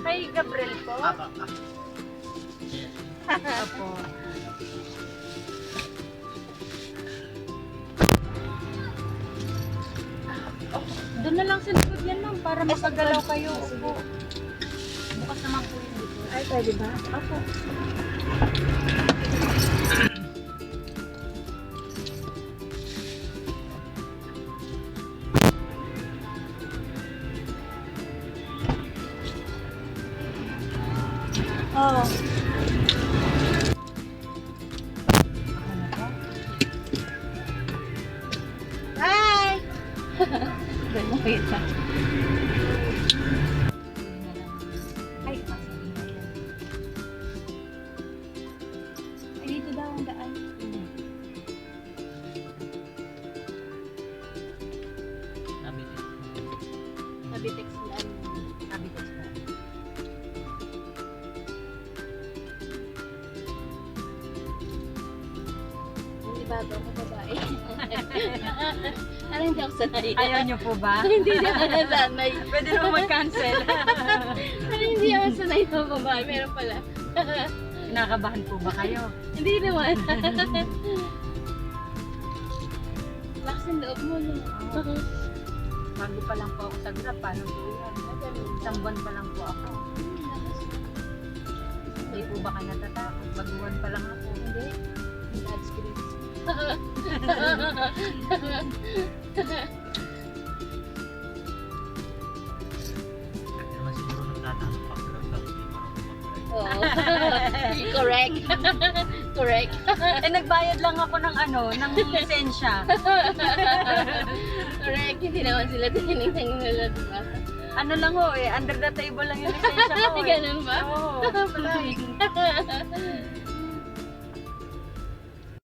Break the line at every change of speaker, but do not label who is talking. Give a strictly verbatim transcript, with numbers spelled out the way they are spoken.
Kay Gabriel po?
Apa, ah.
Apo. Doon na lang sa likod yan, ma'am, para makagalaw kayo. Opo. Bukas naman po yun dito.
Ay, pwede ba?
Opo.
Oo. Hi!
Doon mo kita. Ay, ay, dito daw ang daan.
Nabitin.
Nabitex yan. Nabitex na. Hindi ba ito ako babae? Ano hindi ako sanay?
Ayaw niyo po ba?
Hindi ako sanay.
Pwede naman mag-cancel.
Ano hindi ako sanay sa babae? Meron pala.
Kinakabahan po ba kayo?
Hindi naman. Lakas ang loob mo, no?
Bago pa lang po ako sa Grab. Paano po yan? Isang buwan pa lang po ako. Hindi po ba kayo natatakot? Baguhan pa lang ako.
Hindi. God's grace.
Kasi naman siguro nagtatanong pa pero sa hindi marunong mag-drive.
Oo. Correct. Correct.
Eh, nagbayad lang ako ng ano, ng lisensya.
Correct. Hindi naman sila tinignan nila, diba?
Ano lang ho eh, under the table lang yung lisensya ko eh.
Ganun ba?
Oo.
Palagi.